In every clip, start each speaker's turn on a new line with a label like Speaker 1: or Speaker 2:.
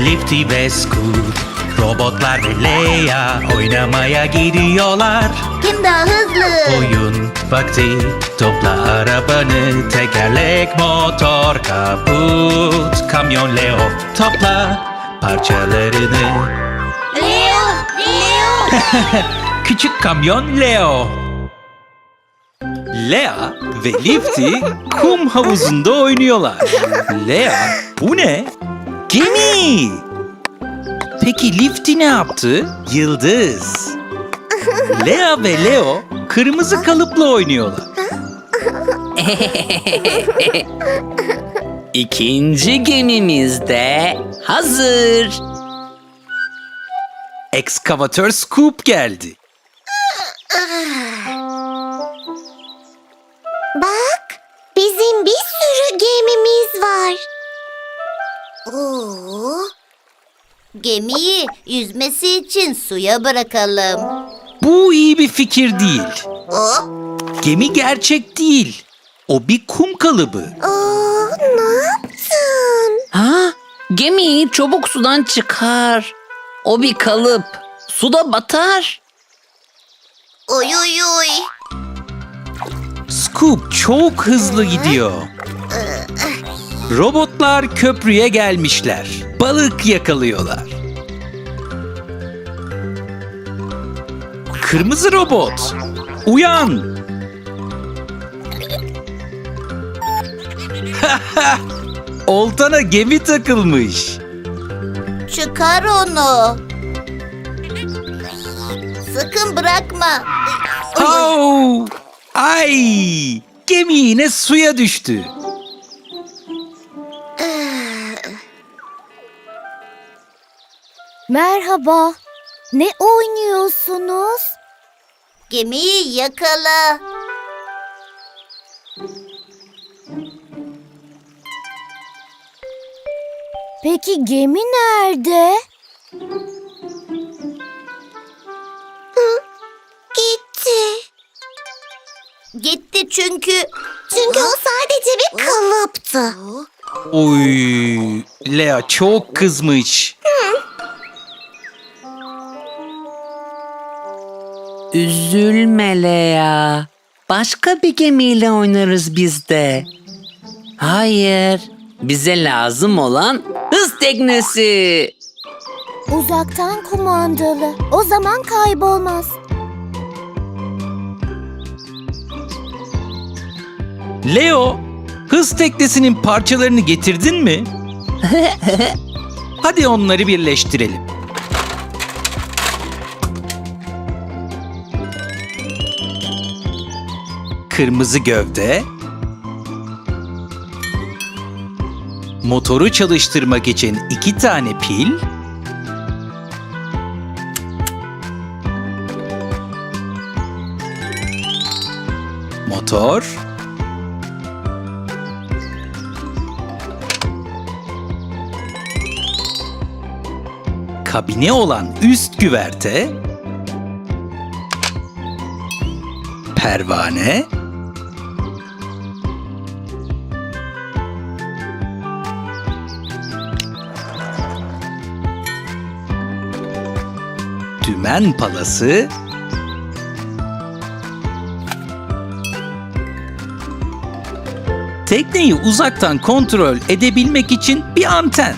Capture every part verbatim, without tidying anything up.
Speaker 1: Lifty ve Scoot, robotlar ve Leia oynamaya gidiyorlar.
Speaker 2: Kim daha hızlı?
Speaker 1: Oyun vakti, topla arabanı, tekerlek, motor, kaput, kamyon Leo, topla parçalarını.
Speaker 2: Leo! Leo!
Speaker 1: Küçük kamyon Leo. Lea ve Lifty kum havuzunda oynuyorlar. Lea, bu ne? Gemi! Peki Lifty ne yaptı? Yıldız. Lea ve Leo kırmızı kalıpla oynuyorlar.
Speaker 3: İkinci gemimiz de hazır.
Speaker 1: Ekskavatör Scoop geldi.
Speaker 2: Bak, bizim bir sürü gemimiz var. Oo. Gemiyi yüzmesi için suya bırakalım.
Speaker 1: Bu iyi bir fikir değil.
Speaker 2: O,
Speaker 1: Gemi gerçek değil. O bir kum kalıbı.
Speaker 2: Oo, ne yaptın?
Speaker 3: Ha? Gemiyi çabuk sudan çıkar. O bir kalıp. Suda batar.
Speaker 2: Oy oy oy.
Speaker 1: Scoop çok hızlı gidiyor. Robotlar köprüye gelmişler. Balık yakalıyorlar. Kırmızı robot, uyan! Oltana gemi takılmış.
Speaker 2: Çıkar onu. Sakın bırakma. Oy, oy.
Speaker 1: Au! Ay! Gemi yine suya düştü.
Speaker 4: Merhaba. Ne oynuyorsunuz?
Speaker 2: Gemiyi yakala.
Speaker 4: Peki gemi nerede?
Speaker 2: Gitti. Gitti çünkü... Çünkü o sadece bir kalıptı.
Speaker 1: Oy! Lea çok kızmış.
Speaker 3: Üzülme Lea. Başka bir gemiyle oynarız biz de. Hayır. Bize lazım olan hız teknesi.
Speaker 4: Uzaktan kumandalı. O zaman kaybolmaz.
Speaker 1: Leo, hız teknesinin parçalarını getirdin mi? Hadi onları birleştirelim. Kırmızı gövde, motoru çalıştırmak için iki tane pil, motor, kabine olan üst güverte, pervane, dümen palası, tekneyi uzaktan kontrol edebilmek için bir anten.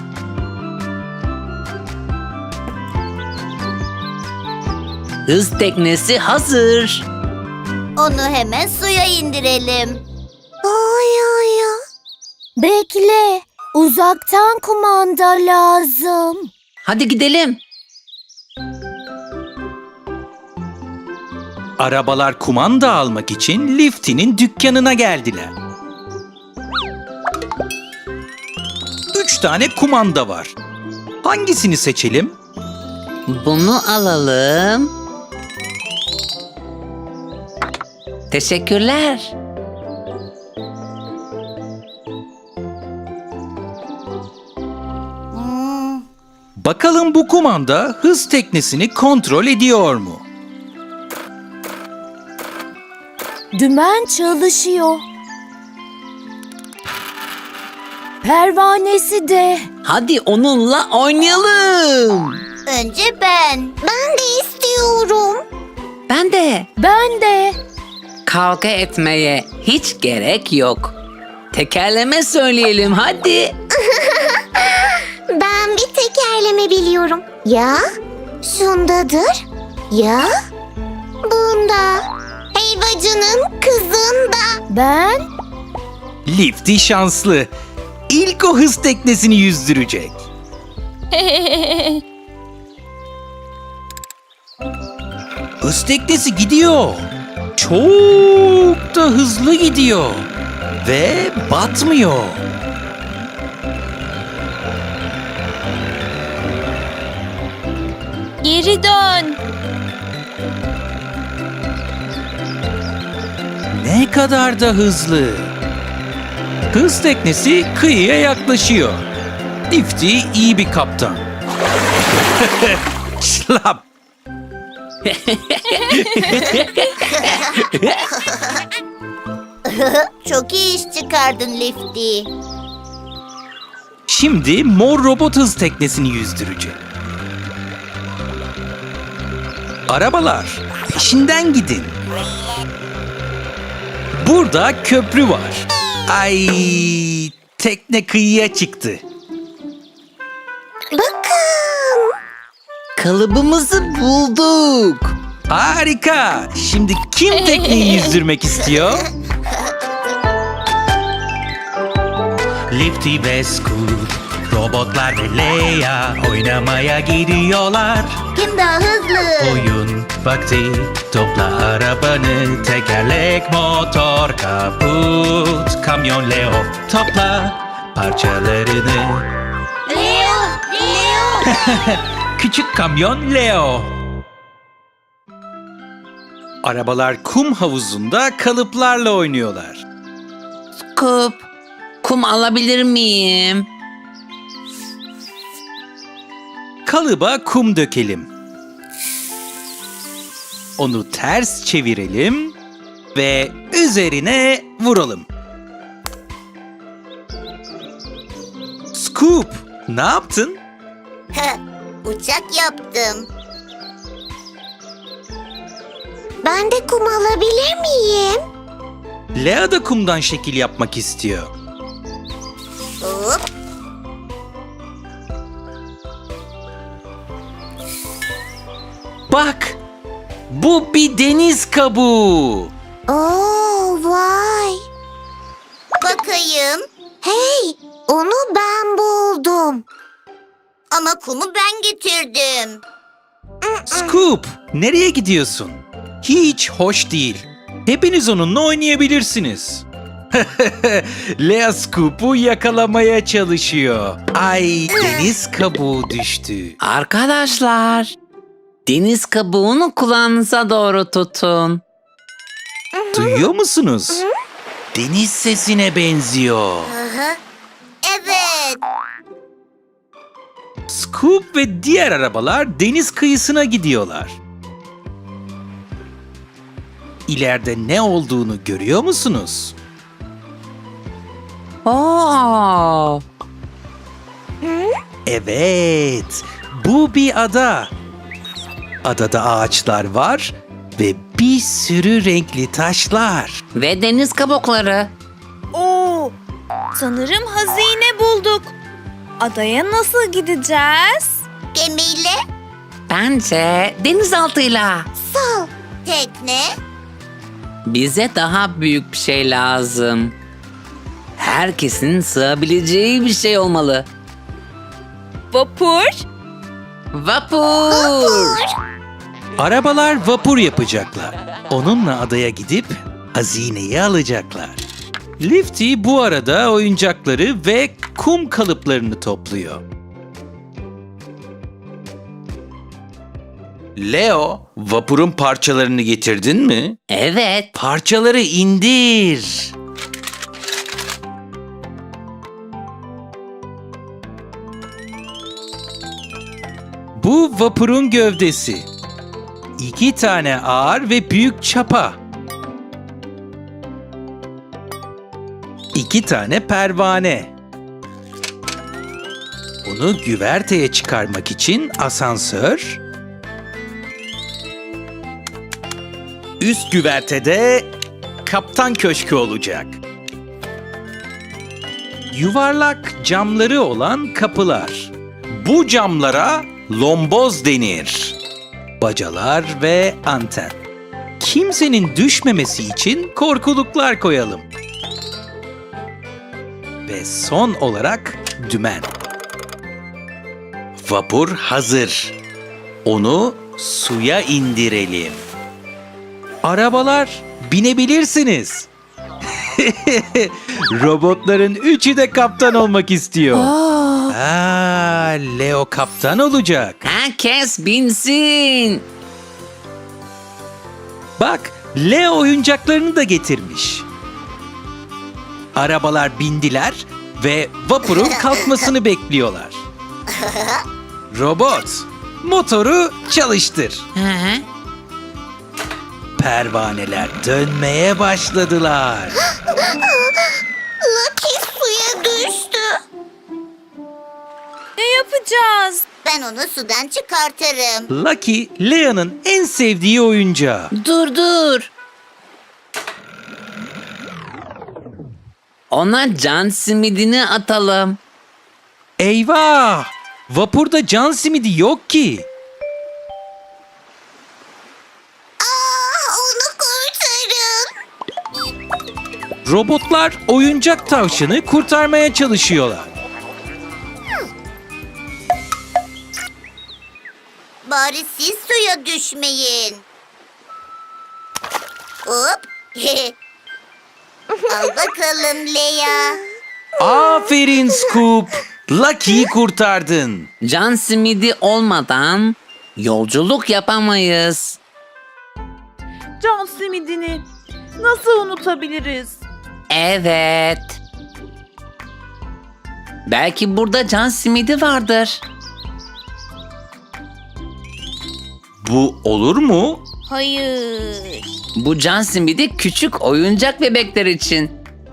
Speaker 3: Hız teknesi hazır.
Speaker 2: Onu hemen suya indirelim. Oy oy oy.
Speaker 4: Bekle. Uzaktan kumanda lazım.
Speaker 3: Hadi gidelim.
Speaker 1: Arabalar kumanda almak için Lifty'nin dükkanına geldiler. Üç tane kumanda var. Hangisini seçelim?
Speaker 3: Bunu alalım. Teşekkürler.
Speaker 2: Hmm,
Speaker 1: Bakalım bu kumanda hız teknesini kontrol ediyor mu?
Speaker 4: Dümen çalışıyor. Pervanesi de.
Speaker 3: Hadi onunla oynayalım.
Speaker 2: Önce ben. Ben de istiyorum.
Speaker 3: Ben de.
Speaker 4: Ben de.
Speaker 3: Kavga etmeye hiç gerek yok. Tekerleme söyleyelim hadi.
Speaker 2: Ben bir tekerleme biliyorum. Ya şundadır, ya bunda. Helvacının kızında.
Speaker 4: Ben.
Speaker 1: Lifty şanslı. İlk o hız teknesini yüzdürecek. Hız teknesi gidiyor. Çok da hızlı gidiyor. Ve batmıyor.
Speaker 4: Geri dön.
Speaker 1: Ne kadar da hızlı. Hız teknesi kıyıya yaklaşıyor. Lifty iyi bir kaptan. Şlap.
Speaker 2: Çok iyi iş çıkardın Lifty.
Speaker 1: Şimdi mor robot hız teknesini yüzdürecek. Arabalar, peşinden gidin. Burada köprü var. Ay, tekne kıyıya çıktı.
Speaker 2: Bakın.
Speaker 3: Kalıbımızı bulduk.
Speaker 1: Harika. Şimdi kim tekneyi yüzdürmek istiyor? Lifty ve Scoot, robotlar ve Leia oynamaya gidiyorlar.
Speaker 2: Kim daha hızlı?
Speaker 1: Oyun vakti, topla arabanı, tekerlek, motor, kaput, kamyon Leo, topla parçalarını.
Speaker 2: Leo, Leo.
Speaker 1: Küçük kamyon Leo. Arabalar kum havuzunda kalıplarla oynuyorlar.
Speaker 3: Scoop, kum alabilir miyim?
Speaker 1: Kalıba kum dökelim. Onu ters çevirelim ve üzerine vuralım. Scoop, ne yaptın?
Speaker 2: Uçak yaptım. Ben de kum alabilir miyim?
Speaker 1: Lea da kumdan şekil yapmak istiyor.
Speaker 2: Hop.
Speaker 1: Bak, bu bir deniz kabuğu.
Speaker 2: Oo, vay. Bakayım. Hey, onu ben buldum. Ama kumu ben getirdim.
Speaker 1: Scoop, nereye gidiyorsun? Hiç hoş değil. Hepiniz onunla oynayabilirsiniz. Lea Scoop'u yakalamaya çalışıyor. Ay, deniz kabuğu düştü.
Speaker 3: Arkadaşlar, deniz kabuğunu kulağınıza doğru tutun.
Speaker 1: Duyuyor musunuz? Deniz sesine benziyor.
Speaker 2: Aha. Evet.
Speaker 1: Scoop ve diğer arabalar deniz kıyısına gidiyorlar. İleride ne olduğunu görüyor musunuz?
Speaker 3: Oo,
Speaker 1: Evet, bu bir ada. Adada ağaçlar var ve bir sürü renkli taşlar.
Speaker 3: ve deniz kabukları.
Speaker 5: Oo, sanırım hazine bulduk. Adaya nasıl gideceğiz?
Speaker 2: Gemiyle
Speaker 3: Bence denizaltıyla.
Speaker 2: sal. Tekne.
Speaker 3: Bize daha büyük bir şey lazım. Herkesin sığabileceği bir şey olmalı.
Speaker 5: Vapur?
Speaker 3: Vapur.
Speaker 1: Arabalar vapur yapacaklar. Onunla adaya gidip hazineyi alacaklar. Lifty bu arada oyuncakları ve kum kalıplarını topluyor. Leo, vapurun parçalarını getirdin mi?
Speaker 3: Evet.
Speaker 1: Parçaları indir. Bu vapurun gövdesi. İki tane ağır ve büyük çapa. İki tane pervane. Onu güverteye çıkarmak için asansör. Üst güvertede kaptan köşkü olacak. Yuvarlak camları olan kapılar. Bu camlara lomboz denir. Bacalar ve anten. Kimsenin düşmemesi için korkuluklar koyalım. Ve son olarak dümen. Vapur hazır. Onu suya indirelim. Arabalar, binebilirsiniz. Robotların üçü de kaptan olmak istiyor. Aa, Leo kaptan olacak.
Speaker 3: Herkes binsin.
Speaker 1: Bak, Leo oyuncaklarını da getirmiş. Arabalar bindiler ve vapurun kalkmasını bekliyorlar. Robot, motoru çalıştır.
Speaker 3: Hı hı.
Speaker 1: Pervaneler dönmeye başladılar.
Speaker 2: Lucky suya düştü.
Speaker 5: Ne yapacağız?
Speaker 2: Ben onu sudan çıkartırım.
Speaker 1: Lucky, Lea'nın en sevdiği oyuncağı.
Speaker 3: Dur dur. Ona can simidini atalım.
Speaker 1: Eyvah! Vapurda can simidi yok ki.
Speaker 2: Aa, onu kurtarın.
Speaker 1: Robotlar oyuncak tavşanı kurtarmaya çalışıyorlar.
Speaker 2: Bari siz suya düşmeyin. Hop. Al bakalım Lea.
Speaker 1: Aferin Scoop! Lucky'yi kurtardın.
Speaker 3: Can simidi olmadan yolculuk yapamayız.
Speaker 4: Can simidini nasıl unutabiliriz?
Speaker 3: Evet. Belki burada can simidi vardır.
Speaker 1: Bu olur mu?
Speaker 5: Hayır.
Speaker 3: Bu can simidi küçük oyuncak bebekler için.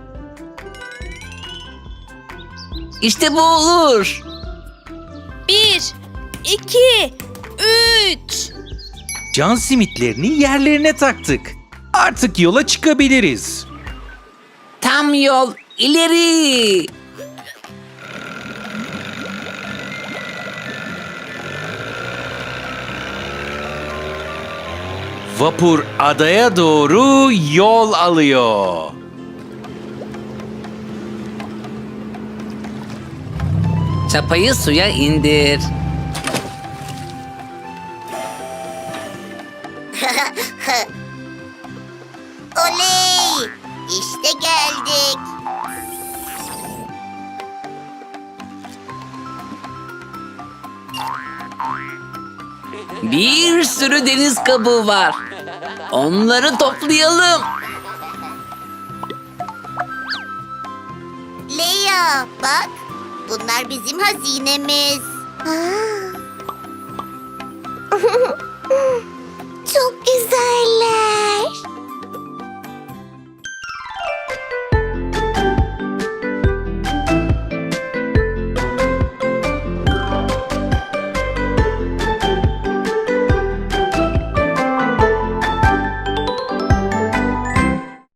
Speaker 3: İşte bu olur.
Speaker 5: Bir, iki, üç.
Speaker 1: Can simitlerini yerlerine taktık. Artık yola çıkabiliriz.
Speaker 3: Tam yol ileri.
Speaker 1: Vapur adaya doğru yol alıyor.
Speaker 3: Çapayı suya indir.
Speaker 2: Oley! İşte geldik.
Speaker 3: Bir sürü deniz kabuğu var. Onları toplayalım.
Speaker 2: Lea bak. Bunlar bizim hazinemiz. Çok güzeller.